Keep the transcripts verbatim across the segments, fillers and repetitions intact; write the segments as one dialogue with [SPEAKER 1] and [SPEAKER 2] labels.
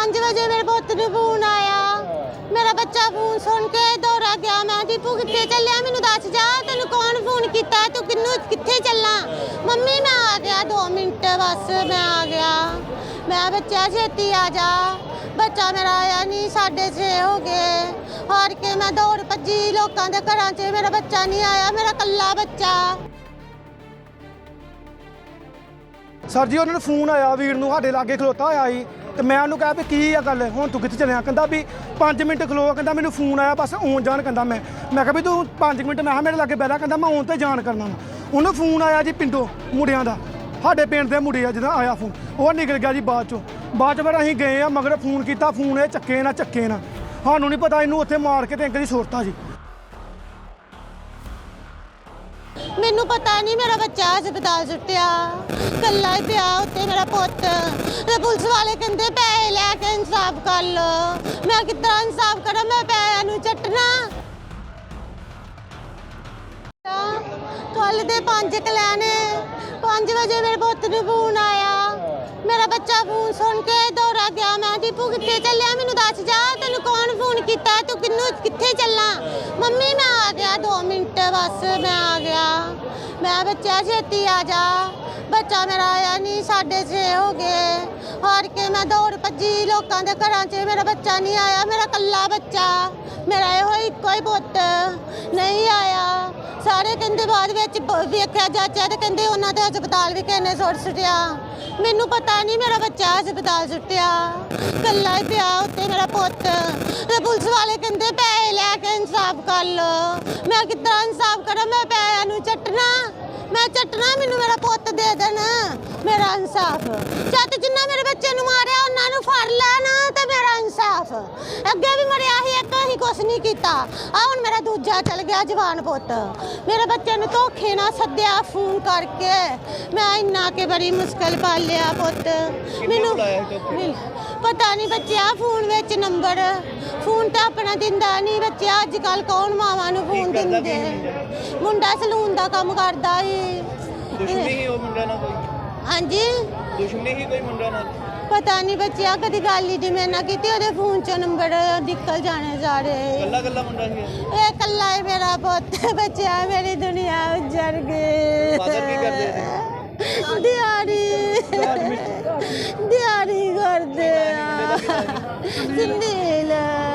[SPEAKER 1] पाँच बजे मेरे पुत नूं फोन आया, मेरा बच्चा फोन सुन के दौड़ा गया। मैं दीपू कित्थे चलिया, मैनूं दस जा तेनूं कौन फोन कीता, तू किन्नू कित्थे चलना। मम्मी मैं आ गया दो मिनट बस मैं आ गया। मैं बच्चा छेती आ जा, बच्चा मेरा आया नहीं। साढ़े छे हो गए, हार के मैं दौड़ भजी लोगों के घरां च, मेरा बच्चा नहीं आया, मेरा कल्ला बच्चा।
[SPEAKER 2] सर जी उन्होंने फोन आया वीर नूं साडे लागे खलोता होया ही ते मैं उन्होंने कहा भी की आ गल हुण तू कित्थे चलिया। कहंदा भी पाँच मिनट खलो, कहंदा मैनूं फोन आया बस आउण जाण। कहंदा मैं मैं कहा भी तू पाँच मिनट मैं मेरे लागे बैठा। कहंदा मैं आउण ते जाण करना वा। उन्होंने फोन आया जी पिंडों मुंडियां दा, साडे पिंड दे मुंडे आ जिद्दां आया फोन, वो निकल गया जी बाद चों। बाद च फिर असीं गए आ मगर फोन कीता, फोन ये चक्के ना चक्के ना, सानूं नहीं पता इनूं उत्थे मार के ते अंकल जी सुरता जी।
[SPEAKER 1] मैनू पता नहीं मेरा बच्चा हस्पताल सुट्टिया, कल्ला ही पिया उत्ते मेरा पुत। ते पुलिस वाले कहंदे पैसे लैके इंसाफ कर लो। मैं कितना इंसाफ करा, मैं पैसे नूं चट्टना। कल दे पंज कलैने पाँच बजे मेरे पुत नूं फोन आया, मेरा बच्चा फोन सुन के दौड़ा गया। मैं दीपू कित्थे चलिया, मैनूं दस जा तेनूं कौन फोन कीता, तू किन्नू कित्थे चलना। मम्मी मैं आ गया दो मिनट बस मैं आ गया। मैं बच्चा छेती आ जा, बच्चा मेरा आया नहीं। साढ़े छे हो गए, हार के मैं दौड़ भजी लोगों के घरां च, मेरा बच्चा नहीं आया, मेरा कल्ला बच्चा। मेरा यो इक्को ही पुत नहीं आया। सारे कहंदे बाद विच वेख्या जाचा ते कहंदे उन्हां दे हस्पताल भी किहने सुट सुटिया। मैनू पता नहीं मेरा बच्चा हस्पताल सुट्टिया, कल्ला ही पिया उत्ते मेरा पुत। ते पुलिस वाले कहंदे पैसे लैके इंसाफ कर लो। मैं कितना इंसाफ करा, मैं पैसे नूं चट्टना, मैं चट्टना। मैनू मेरा पुत दे देन, मेरा इंसाफ। जद जिन्ना मेरे बच्चे नूं मारिया उन्हां नूं फड़ लैन ते मेरा इंसाफ। अगे भी मरिया ही एक, असीं कुछ नहीं कीता। आ हुण मेरा दूजा चल गया जवान पुत। मेरे बच्चे नूं धोखे नाल सद्दिया फोन करके, मैं इन्ना के बड़ी मुश्किल पालिया पुत। मैनू पता नहीं बच्चा फोन विच नंबर, फोन तो अपना दिंदा नहीं बच्चा। अजकल कौन मावां नूं फोन दिंदे। मुंडा सलून दा काम करदा ही।
[SPEAKER 3] दुश्मनी ही वो मुंडा ना कोई?
[SPEAKER 1] हाँ जी
[SPEAKER 3] दुश्मनी ही कोई मुंडा ना?
[SPEAKER 1] पता नहीं बच्चा, कदी गल ही मैं ना की फोन चो नंबर निकल जाने सारे।
[SPEAKER 3] कल्ला कल्ला मुंडा ही
[SPEAKER 1] ये कल्ला ही मेरा पुत बच्चा, मेरी दुनिया उजड़ गई।
[SPEAKER 3] फादर की करदे थे?
[SPEAKER 1] दिहाड़ी दिहाड़ी करदे संदील।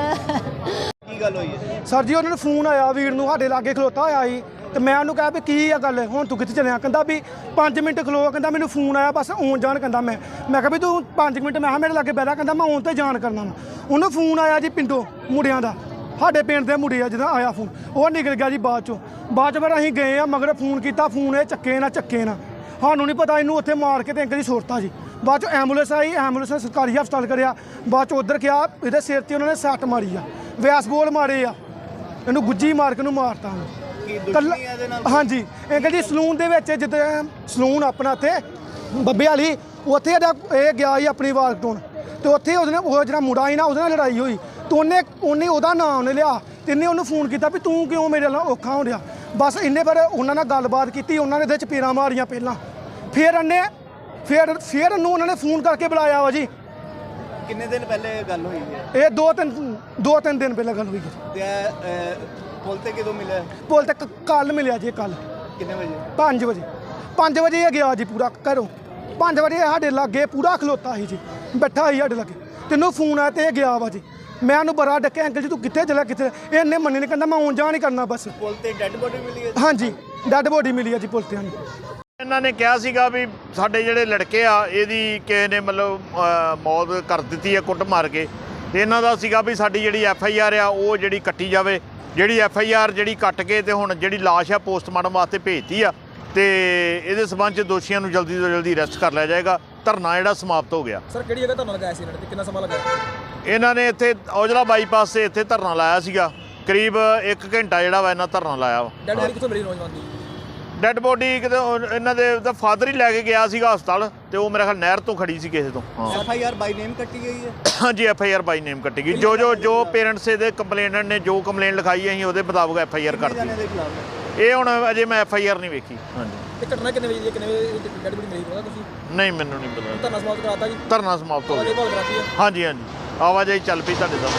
[SPEAKER 3] की गल होई है?
[SPEAKER 2] सर जी उन्होंने फोन आया वीर नूं साडे लागे खलोता होया ही ते मैं उन्होंने कहा भी की आ गल हुण तू कित्थे चलिया। कहंदा भी पाँच मिनट खलो, कहंदा मैनूं फोन आया बस आउण जाण। कहंदा मैं मैं कहा भी तू पाँच मिनट मैं मेरे लागे बैठा। कहंदा मैं आउण ते जाण करना वा। उन्होंने फोन आया जी पिंडों मुंडियां दा, साडे पिंड दे मुंडे आ जिद्दां आया फोन, वो निकल गया जी बाद चों। बाद च फिर असीं गए आ मगर फोन कीता, फोन ये चक्के ना चक्के ना, सानूं नहीं पता इनूं उत्थे मार के ते अंकल जी सुरता जी। बाद चों एंबूलेंस आई, एंबूलेंस ने सरकारी हस्पताल करिया। बाद च उधर गया, इहदे सिर ते उन्होंने सੱਟ मारी आ, वैस बोल मारे आ, इनूं गुज्जी मार के इनूं मारता। कल हाँ जी अंकल जी सलून दे विच जिद्दां सलून अपना इत्थे बब्बे वाली, उत्थे ये गया ही अपनी वाल कटाउण ते उत्थे उसने वो जिहड़ा मुंडा ही ना उसदे नाल लड़ाई होई ते उन्हें उन्हें ओहदा नाम उन्हें लिया ते इन्हें उन्हूं फोन कीता भी तू क्यों मेरे नाल औखा हो रहा। बस इन्हें फिर उन्हां नाल गलबात कीती, उन्होंने इहदे चपेड़ां मारियां पहलां, फिर इन्हें फिर फिर इन्हूं उन्होंने फोन करके बुलाया वा जी।
[SPEAKER 3] किन्ने दिन पहले गल हुई है?
[SPEAKER 2] ये दो तीन दो तीन दिन पहले गल हुई है।
[SPEAKER 3] ते पुल ते कदों मिले?
[SPEAKER 2] पुल ते कल मिलिया जी, कल
[SPEAKER 3] किन्ने बजे?
[SPEAKER 2] पाँच बजे पाँच बजे ये गया जी पूरा घरों। पाँच बजे साढ़े लागे पूरा खलोता ही जी, बैठा ही साढ़े लागे। तेनों फोन आया तो गया वा जी। मैं उन्होंने बड़ा डक्या, अंकल जी तू कित्थे चला कित्थे? इन्हें मन्नी नहीं, कहंदा मैं आउण जाण ही करना बस।
[SPEAKER 3] पुल ते डेड बॉडी मिली है?
[SPEAKER 2] हाँ जी डेड बॉडी मिली है जी पुल ते। हाँ जी
[SPEAKER 4] ਇਹਨਾਂ ਨੇ ਕਿਹਾ ਸੀਗਾ ਵੀ ਸਾਡੇ ਜਿਹੜੇ ਲੜਕੇ ਆ ਇਹਦੀ ਕਿਸੇ ਨੇ ਮਤਲਬ ਮੌਤ ਕਰ ਦਿੱਤੀ ਹੈ ਕੁੱਟ ਮਾਰ ਕੇ, ਤੇ ਇਹਨਾਂ ਦਾ ਸੀਗਾ ਵੀ ਸਾਡੀ ਜਿਹੜੀ ਐਫ ਆਈ ਆਰ ਆ ਉਹ ਜਿਹੜੀ ਕੱਟੀ ਜਾਵੇ। ਜਿਹੜੀ ਐਫ ਆਈ ਆਰ ਜਿਹੜੀ ਕੱਟ ਕੇ ਤੇ ਹੁਣ ਜਿਹੜੀ ਲਾਸ਼ ਆ ਪੋਸਟਮਾਰਟਮ ਵਾਸਤੇ ਭੇਜਤੀ ਆ ਤੇ ਇਹਦੇ ਸਬੰਧ 'ਚ ਦੋਸ਼ੀਆਂ ਨੂੰ ਜਲਦੀ ਤੋਂ ਜਲਦੀ ਅਰੈਸਟ ਕਰ ਲਿਆ ਜਾਏਗਾ। ਧਰਨਾ ਜਿਹੜਾ ਸਮਾਪਤ ਹੋ ਗਿਆ।
[SPEAKER 5] ਸਰ ਕਿਹੜੀ ਜਗ੍ਹਾ ਧਰਨਾ ਲਗਾਇਆ ਸੀ ਇਹਨਾਂ ਨੇ, ਕਿੰਨਾ ਸਮਾਂ ਲਗਾਇਆ?
[SPEAKER 4] ਇਹਨਾਂ ਨੇ ਇੱਥੇ ਔਜਲਾ ਬਾਈਪਾਸ 'ਤੇ ਇੱਥੇ ਧਰਨਾ ਲਾਇਆ ਸੀਗਾ, ਕਰੀਬ ਇੱਕ ਘੰਟਾ ਜਿਹੜਾ ਵਾ ਇਹਨਾਂ ਧਰਨਾ ਲਾਇਆ ਵਾ।
[SPEAKER 5] ਡੈਡ ਬੋਡੀ ਕਿੱਥੋਂ ਮਿਲੀ ਨੌਜਵਾਨ ਦੀ?
[SPEAKER 4] ਡੈਡ ਬੋਡੀ ਕਿਤੇ ਇਹਨਾਂ ਦੇ ਦਾ ਫਾਦਰ ਹੀ ਲੈ ਕੇ ਗਿਆ ਸੀਗਾ ਹਸਪਤਾਲ, ਤੇ ਉਹ ਮੇਰੇ ਖਿਆਲ ਨਹਿਰ ਤੋਂ ਖੜੀ ਸੀ ਕਿਸੇ ਤੋਂ। ਹਾਂ
[SPEAKER 3] ਐਫ ਆਈ ਆਰ ਬਾਈ ਨੇਮ ਕੱਟੀ ਗਈ ਹੈ?
[SPEAKER 4] ਹਾਂਜੀ ਐਫ ਆਈ ਆਰ ਬਾਈ ਨੇਮ ਕੱਟੀ ਗਈ। ਜੋ ਜੋ ਜੋ ਪੇਰੈਂਟਸ ਇਹਦੇ ਕੰਪਲੇਨਟ ਨੇ ਜੋ ਕੰਪਲੇਨ ਲਿਖਾਈ ਅਸੀਂ ਉਹਦੇ ਮੁਤਾਬਕ ਐਫ ਆਈ ਆਰ ਕਰਤੀ।
[SPEAKER 3] ਦੇ ਖਿਲਾਫ
[SPEAKER 4] ਇਹ ਹੁਣ ਅਜੇ ਮੈਂ ਐਫ ਆਈ ਆਰ ਨਹੀਂ ਵੇਖੀ। ਹਾਂਜੀ
[SPEAKER 5] ਇਹ ਘਟਨਾ ਕਿੰਨੇ ਵਜੇ ਦੀ ਹੈ, ਕਿੰਨੇ ਵਜੇ ਡੈਡ ਬੋਡੀ ਮਿਲੀ ਪਤਾ ਤੁਸੀਂ?
[SPEAKER 4] ਨਹੀਂ ਮੈਨੂੰ ਨਹੀਂ ਪਤਾ।
[SPEAKER 5] ਧਰਨਾ ਸਮਾਪਤ ਕਰਾਤਾ ਜੀ?
[SPEAKER 4] ਧਰਨਾ ਸਮਾਪਤ ਹੋ ਗਿਆ।
[SPEAKER 5] ਭਾਲ ਕਰਾਤੀ ਹੈ?
[SPEAKER 4] ਹਾਂਜੀ ਹਾਂਜੀ। ਆਵਾਜਾਈ ਚੱਲ ਪਈ ਤੁਹਾਡੇ ਸਾਹਮਣੇ।